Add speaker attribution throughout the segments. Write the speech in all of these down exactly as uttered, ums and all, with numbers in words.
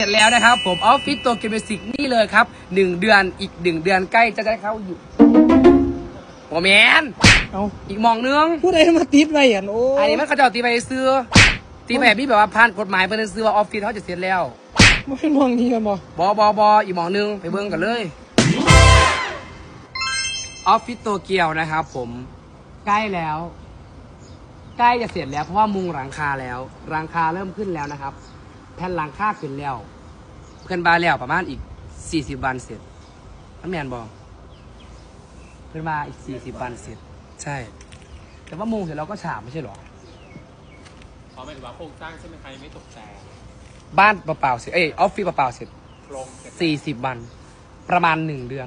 Speaker 1: เสร็จแล้วนะครับผมออฟฟิศโตเกียวมิวสิกนี่เลยครับหนึ่งเดือนอีกหนึ่งเดือนใกล้จะได้เข้าอยู่โอแมนเอาอีกมองนึง
Speaker 2: ผู้ใดมาติดไว้อ่ะโอ้
Speaker 1: อันนี้มันเขาจะตีไปซื้อตีไปแบบนี้แบบว่าผ่านกฎหมายเพื่อนซื้อว่าออฟฟิศเขาจะเสร็จแล้ว
Speaker 2: ไม่เป็นมองนี้กันบ่
Speaker 1: บอบอบออีกมองนึงไปเบิ้งกันเลยออฟฟิศโตเกียวนะครับผมใกล้แล้วใกล้จะเสร็จแล้วเพราะว่ามุงหลังคาแล้วหลังคาเริ่มขึ้นแล้วนะครับแผ่นหลังคาขึ้นแล้วเพื่อนบ้านแล้วประมาณอีกสี่สิบวันเสร็จน้ำแมนบอกเพื่อนบ้านอีกสี่สิบวันเสร็จใช่แต่ว่ามุงเสร็จเราก็ฉาบไม่ใช่หรอ
Speaker 3: อ๋อหมายถึงว่าโครงสร้างใช่ไหมคะยังไม่ตกแต่ง
Speaker 1: บ้านเปล่าๆเสร็จเอ้ยออฟฟิศเปล่าๆเสร็จสี่สิบวันประมาณหนึ่งเดือน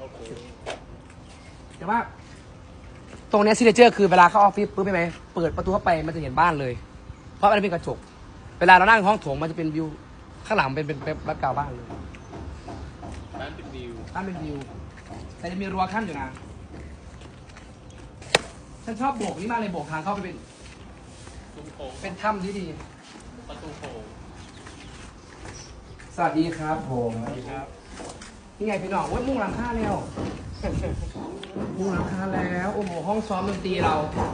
Speaker 1: แต่ว่าตรงนี้ซิเนเจอร์คือเวลาเข้าออฟฟิศปุ๊บใช่ไหมเปิดประตูเข้าไปมันจะเห็นบ้านเลยเพราะมันเป็นกระจกเวลาเรานั่งห้องโถงมันจะเป็นวิวข้างหลังเป็นเป็นเป็นแบ็คกราวด์บ้านเลย
Speaker 3: บ้านเป็นวิว
Speaker 1: บ้านเป็นวิวแต่จะมีรั้วขั้นอยู่นะฉันชอบโบกนี่มากเลยโบกทางเข้าไปเป็นเป็นถ้ำที่ดี
Speaker 3: ประตูโค้ง
Speaker 1: สวัสดีครับผมสวัสดีครับนี่ไงพี่น้องว่ามุ่งหลังคาแล้วมุ่งหลังคาแล้วโอ้โหห้องซ้อมดนตรีเรา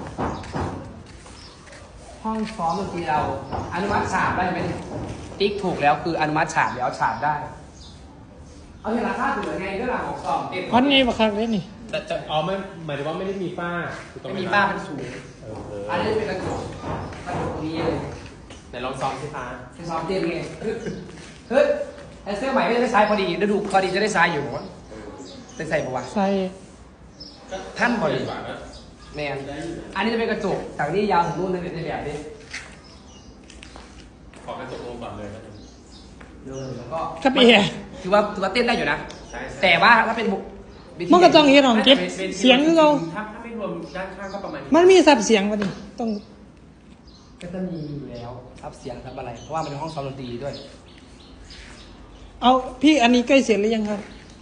Speaker 1: ห้องซ้อมดนตรีเราอนุมัติฉาบได้ไหมติ๊กถูกแล้วคืออนุมัติฉาบแล้วฉาบได้เอาเห็นราคาถูกยังไงเรื่องหลังของซ้อมเต็ม
Speaker 2: อันนี้มาครั้งนี้นี่
Speaker 3: แต่จะอ๋อไม่หมายถึงว่าไม่ได้มีฝ้า
Speaker 1: ไม่มีฝ้าเป็นสูงอันนี้เป็นกระจกกระจกตรงนี้เลย
Speaker 3: ไหนลองซ้อมสิคะ
Speaker 1: ซ้อมเต็มไงเฮ้ยไอเสื้อใหม่ไม่ได้ใช้พอดีฤดูพอดีจะได้ใช้อยู่จะใส่ปะวะ
Speaker 2: ใส่
Speaker 1: ท่านพอดีแมนอันนี้จะเป็นกระจกจากนี้ยาวถึงนู่นในในแบบนี้
Speaker 3: ขอกระจกลงก่อนเลยนะ
Speaker 1: เดินแล้วก็
Speaker 2: กระเปีย
Speaker 1: ถือว่าถือว่าเต้นได้อยู่นะแต่ว่าถ้าเป็น
Speaker 2: มันก็ต้องเห็นของเก็บเสียงคือเรา
Speaker 3: ถ้าถ้าไม่รวมด้านข้างก็ประมาณ
Speaker 2: มันมีซับเสียงวะนี่ต้อง
Speaker 1: ก็จะมีอยู่แล้วซับเสียงซับอะไรเพราะว่ามันเป็นห้องซ้อมดนตรีด้วย
Speaker 2: เอาพี่อันนี้ใกล้เสร็จหรือยังครับ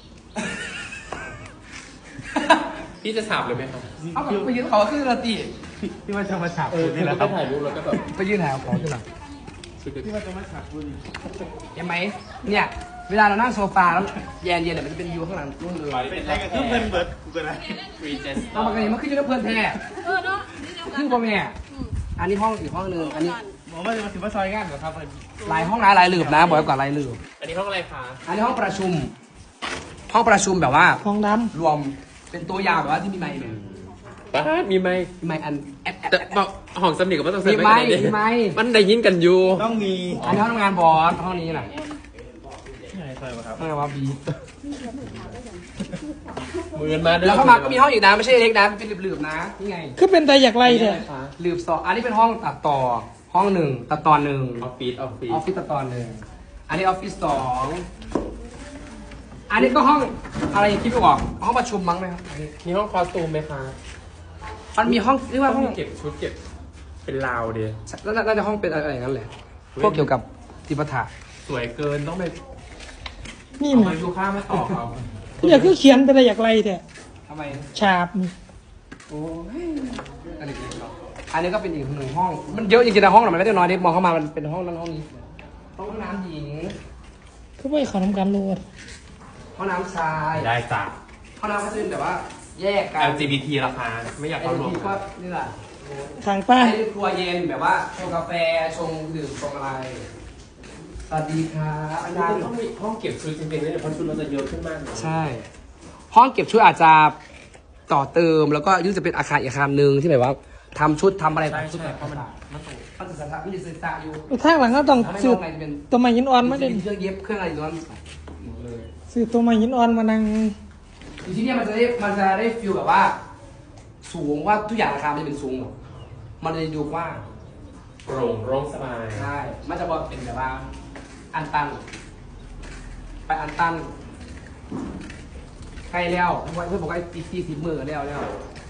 Speaker 3: พี่จะฉาบเลยไหมครับ
Speaker 1: เอาแบบไปยืนเขาขึ้นดนตรี
Speaker 3: พี่ว่าจะมาฉาบคุณนี่แหละครับถ่ายรูปแล้วก็แบบ
Speaker 1: ไปยืนถ่ายเขาขึ้นหรอ
Speaker 3: พี่ว่าจะมาฉาบคุณ
Speaker 1: เห็นไหมเนี่ยเวลาเรานั่งโซฟาแล้วเย็นเย็นเนี่ยมันจะเป็นวิวข้างหลังนู่นเลย
Speaker 3: เป็นอะไรกันเพื่อนเบิร์ดกูกันนะรีเจนส์
Speaker 1: เอาปกติมันขึ้นอยู่กับเพื่อนแท้
Speaker 4: เออเนาะ
Speaker 1: ขึ้นพ่อแม่อันนี้ห้องอีกห้องนึงอันนี้
Speaker 3: บอกว่าจะมาถึงว่าซอยงานเหรอครับ
Speaker 1: หลายห้องนะหลายหลืบนะบอกก่อนหลายหลืบ
Speaker 3: อันนี้ห้องอะไรคะ
Speaker 1: อันนี้ห้องประชุมห้องประชุมแบบว่า
Speaker 2: ห้องด
Speaker 1: ำรวมเป็นตัวยาวแบบว่าที่มีไมค์เนี่ย
Speaker 3: ป้ามีไมค์
Speaker 1: มีไมค์อัน
Speaker 3: แต่บอกห้องสำนีกับว่าต้องใส่
Speaker 1: ไมค์มีไมค์
Speaker 3: มันได้ยินกันอยู่
Speaker 1: ต้องมีอันนี้ห้องทำงานบอสห้องนี้แหละ
Speaker 3: ใช่ครับ
Speaker 1: ห้องว่าบี
Speaker 3: มือมา
Speaker 1: แล้วเข้ามาก็มีห้องอีกนะไม่ใช่เล็กนะเป็นหลืบๆนะนี่ไง
Speaker 2: คือเป็นแต่อยากไล่เนี่ย
Speaker 1: หลืบสองอันนี้เป็นห้องตัดต่อห้องหนึ่งตัดตอนหนึ่ง
Speaker 3: ออฟฟิศออฟฟิศ
Speaker 1: ออฟฟิศตัดตอนหนึ่งอันนี้ออฟฟิศสองอันนี้ก็ห้องอะไรคิดไม่ออกห้องประชุมมั้งไหมครับ
Speaker 3: มีห้องคอสตูมไหมคะ
Speaker 1: มันมีห้องเรียกว่าห้อง
Speaker 3: เก็บชุดเก็บเป็นราวเดีย
Speaker 1: น่าจะห้องเป็นอะไรอย่างนั้นแหละพวกเกี่ยวกับจิปาถะ
Speaker 3: สวยเกินต้องไป
Speaker 2: นี่
Speaker 3: มันดูค่าไม่ต่อเขา
Speaker 2: เนี่ยคือเขียนเป็นแต่อยากไล่แท้
Speaker 1: ทำไม
Speaker 2: ฉาบ
Speaker 1: โอ้ยอันนี้อันนี้ก็เป็นอีกหนึ่งห้องมันเยอะจริงๆนะห้องมันไม่ได้น้อยเด็กมองเข้ามามันเป็นห้องนั้นห้องนี้ห้องน้ำหญิง
Speaker 2: คือไม่ขอทำการโหลด
Speaker 1: ห้องน้ำชาย
Speaker 3: ได้จ้ะ
Speaker 1: ห้องน้ำก็จะเป็นแบบว่าแยกกัน
Speaker 3: แอล จี บี ที ราคาไม่อยากเข้ารวม
Speaker 1: ก็นี่แหละ
Speaker 2: ทางป้า
Speaker 1: ให้ครัวเย็นแบบว่าชงกาแฟชงดื่มชงอะไรสวัสดีครับ
Speaker 3: อาจารย์ต้องมีห้องเก็บชุดจริงๆนะเนี่ยเพราะชุดเราจะเยอะขึ้นมากเลย
Speaker 1: ใช่ห้องเก็บชุดอาจจะต่อเติมแล้วก็ยิ่งจะเป็นอาคารอีกอาคารหนึ่งที่แบบว่าทำชุดทำอะไร
Speaker 3: ใช่
Speaker 1: ชุดแบบ
Speaker 3: เพราะมันมัน
Speaker 1: ต้องมันจะสถามีศึกษาอยู่
Speaker 2: ข้างหลังก็ต้องซื้อตัวไม้หินอ่อนมาเด่น
Speaker 1: เครื่องเย็บเครื่องอะไรย้อน
Speaker 2: ซื้อตัวไม้หินอ่อนมานั่ง
Speaker 1: อยู่ที่นี่มันจะได้มันจะได้ฟิลแบบว่าสูงว่าทุกอย่างราคาไม่เป็นสูงหรอกมันจะดูว่า
Speaker 3: โปร่งโล่งสบาย
Speaker 1: ใช่มันจะบอกเป็นแบบว่าอันตันไปอันตันใกล้แล้วเพื่อนบอกว่าอีกสี่สิบมือแล้วแล้ว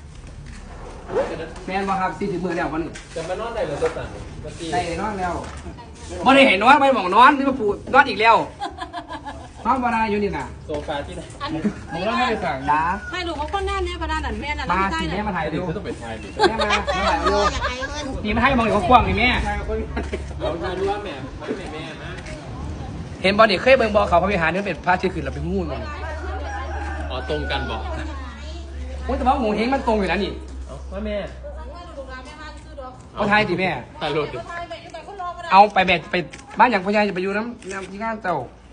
Speaker 1: แมนบอกครับสี่สิบมือแล้ววันนี้
Speaker 3: จะมานอนได้หรือจะสั่ง
Speaker 1: ได้นอนแล้วบ่ได้เห็นนอนไม่บอกนอนที่มาปูนอนอีกแล้วนอนมาได้อยู่นี่น่ะ
Speaker 3: โซฟาที่ไหน
Speaker 1: ผมต้องไม่ไปสั่งนะ
Speaker 4: ให้ลูกเขาคนแน่เนี่ยประดานนั่นแม่น่ะ
Speaker 1: มาสิแม่มาถ่ายดู
Speaker 3: ต้องไปถ่ายดิ
Speaker 1: แม่มามาถ่ายดูนี่มาให้มองอยู่เขากว้างนี่แม่
Speaker 3: เราถ่ายดูว่าแม่ไม่แม่แม่นะ
Speaker 1: เห็นบอลเด็กเคยเบิ่งบอลเขาพระวิหารนี่เป็นพระที่ขึ้นเราไปงูนมัน
Speaker 3: อ๋อตรงกันบอก
Speaker 1: โอ้ยแต่ว่าหมูเฮงมันตรงอยู่แล้วนี่
Speaker 3: เอ้าว่าแม่
Speaker 1: เอาไทยดิแม่
Speaker 3: ตายหลุด
Speaker 1: เอาไปแบบไปบ้านอย่างพ่อใหญ่จะไปอยู่น้ำน้ำที่งานเจ้า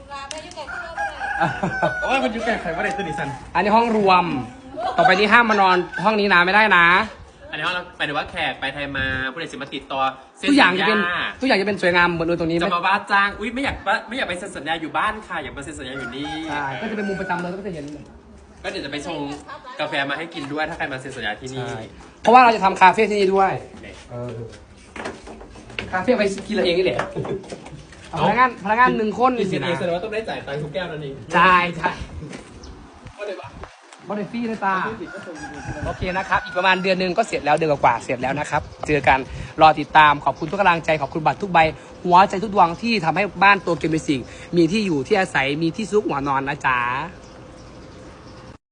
Speaker 3: โอ้ยมันอยู่แก่ไขว่าได้ตัวนี้สัน
Speaker 1: อันนี้ห้องรวม ต่อไปนี้ห้ามมานอนห้องนี้นะไม่ได้นะ
Speaker 3: อันนี้เราไปดูว่าแขกไปไทยมาผู้ใดสิมาติดต่อเซ็น
Speaker 1: ทุกอย่างจะ
Speaker 3: สัญ
Speaker 1: เป็น
Speaker 3: ญา
Speaker 1: ทุกอย่างจะเป็นสวยงามเหมือนตรงนี้
Speaker 3: จะ
Speaker 1: ไม่
Speaker 3: มาว่าจ้างอุ้ยไม่อยากว่าไม่อยากไปเซ็นสัญญาอยู่บ้านค่ะอยากไปเซ็นสัญญาอยู่นี่
Speaker 1: ใช่ก็จะเป็นมุมประจำเลยก็จะเห็น
Speaker 3: ก็เดี๋ยวจะไปชงกาแฟมาให้กินด้วยถ้าใครมาเซ็นสัญญาที่นี่
Speaker 1: เพราะว่าเราจะทำคาเฟ่ที่นี่ด้วยเออคาเฟ่ไปกินเราเองนี่แหละเอาพนักงานพนักงานหนึ่งคน
Speaker 3: กิน
Speaker 1: สิ
Speaker 3: เอ
Speaker 1: นะ
Speaker 3: งแสดงว่าต้องได้จ่ายตังค์ทุกแก้วนั่นเอง
Speaker 1: ใช่ใช่
Speaker 3: ว่าเลยปะ
Speaker 1: บอดฟรี่นะตาโอเคนะครับ อีกประมาณเดือนหนึ่งก็เสร็จแล้วเดือนกว่าๆเสร็จแล้วนะครับ เจอกันรอติดตามขอบคุณทุกกำลังใจขอบคุณบัตรทุกใบ หัวใจทุกดวงที่ทำให้บ้านตัวเกมมิวสิกมีที่อยู่ที่อาศัยมีที่ซุกหัวนอนนะจ๊ะ